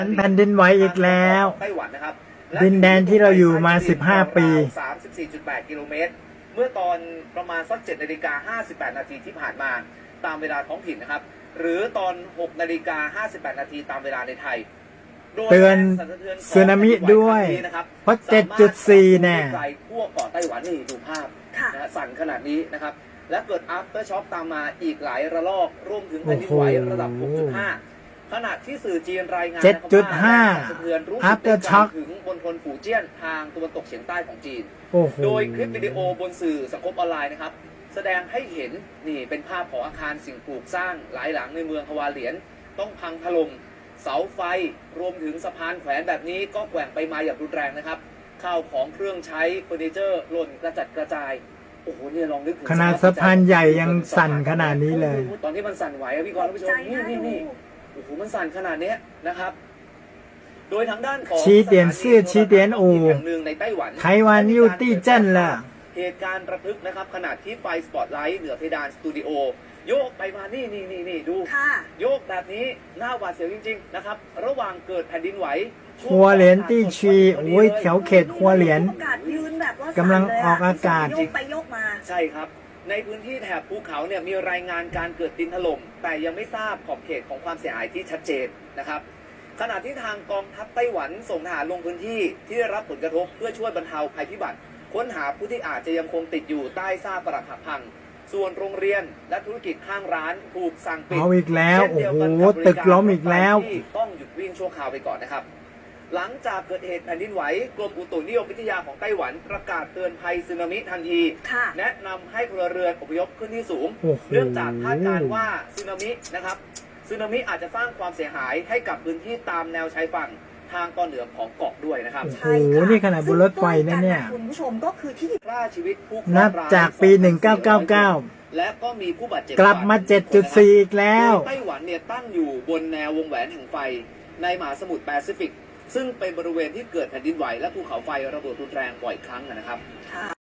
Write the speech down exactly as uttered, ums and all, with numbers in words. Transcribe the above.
แผ่นดินไหวอีกแล้วไต้หวันนะครับดินแดนที่เราอยู่มาสิบห้าปีสามสิบสี่จุดแปด กิโลเมตรเมื่อตอนประมาณสักเจ็ดนาฬิกาห้าสิบแปดนาทีที่ผ่านมาตามเวลาท้องถิ่นนะครับหรือตอนหกนาฬิกาห้าสิบแปดนาทีตามเวลาในไทยเตือนสึนามิด้วยเพราะ เจ็ดจุดสี่ แน่ไกลทั่วเกาะไต้หวันนี่ดูภาพนะสั่นขนาดนี้นะครับและเกิด after shock ตามมาอีกหลายระลอกรวมถึงแผ่นดินไหวระดับ หกจุดห้า ขณะที่สื่อจีนรายงานเจ็ดจุดห้าสะเทือนรู้สึก after shock ถึงบนทนฝูเจี้ยนทางตะวันตกเฉียงใต้ของจีนโอ้โหโดยคลิปวิดีโอบนสื่อสังคมออนไลน์นะครับแสดงให้เห็นนี่เป็นภาพของอาคารสิ่งปลูกสร้างหลายหลังในเมืองฮวาเหลียนต้องพังถล่มเสาไฟรวมถึงสะพานแขวนแบบนี้ก็แกว่งไปมาอย่างรุนแรงนะครับข้าวของเครื่องใช้เฟอร์นิเจอร์หล่นกระจัดกระจายโอ้โหเนี่ยลองนึกถึงขนาดสะพานใหญ่ยังสั่นขนาดนี้เลยตอนที่มันสั่นไหวพี่กรณ์ผู้ชมนี่นี่นี่โอ้โหมันสั่นขนาดนี้นะครับโดยทางด้านของชี้เตียนซื่อชี้เตียนอู่แห่งหนึ่งในไต้หวันไต้หวันยูตี้เจิ้นล่ะเหตุการณ์ระทึกนะครับขณะที่ไฟสปอตไลท์เหนือเพดานสตูดิโอโยกไปมานี่นี่นี่นี่ดูโยกแบบนี้หน้าหวาดเสียวจริงๆนะครับระหว่างเกิดแผ่นดินไหวหัวเหรียญตี้ชีโอ้ยแถวเขตหัวเหรียญกำลังออกอากาศโยกไปโยกมาใช่ครับในพื้นที่แถบภูเขาเนี่ยมีรายงานการเกิดดินถล่มแต่ยังไม่ทราบขอบเขตของความเสียหายที่ชัดเจนนะครับขณะที่ทางกองทัพไต้หวันส่งทหารลงพื้นที่ที่ได้รับผลกระทบเพื่อช่วยบรรเทาภัยพิบัติค้นหาผู้ที่อาจจะยังคงติดอยู่ใต้ซากปรักหักพังส่วนโรงเรียนและธุรกิจข้างร้านถูกสั่งปิดเอาอีกแล้วโอ้โหตึกล้มอีกแล้วต้องหยุดวิ่งชั่วคราวไปก่อนนะครับหลังจากเกิดเหตุแผ่นดินไหวกรมอุตุนิยมวิทยาของไต้หวันประกาศเตือนภัยสึนามิทันทีแนะนำให้พลเรือนอพยพขึ้นที่สูงเนื่องจากคาดการณ์ว่าสึนามินะครับสึนามิอาจจะสร้างความเสียหายให้กับพื้นที่ตามแนวชายฝั่งทางตอนเหนือของเกาะด้วยนะครับโอ้โหนี่ขนาดบนรถไฟนะเนี่ยคุณผู้ชมก็คือที่ฆ่าชีวิตผู้นับจากปีหนึ่งพันเก้าร้อยเก้าสิบเก้าและก็มีผู้บาดเจ็บกลับมา เจ็ดจุดสี่ อีกแล้วไต้หวันเนี่ยตั้งอยู่บนแนววงแหวนแห่งไฟในมหาสมุทรแปซิฟิกซึ่งเป็นบริเวณที่เกิดแผ่นดินไหวและภูเขาไฟระเบิดรุนแรงบ่อยครั้งนะครับ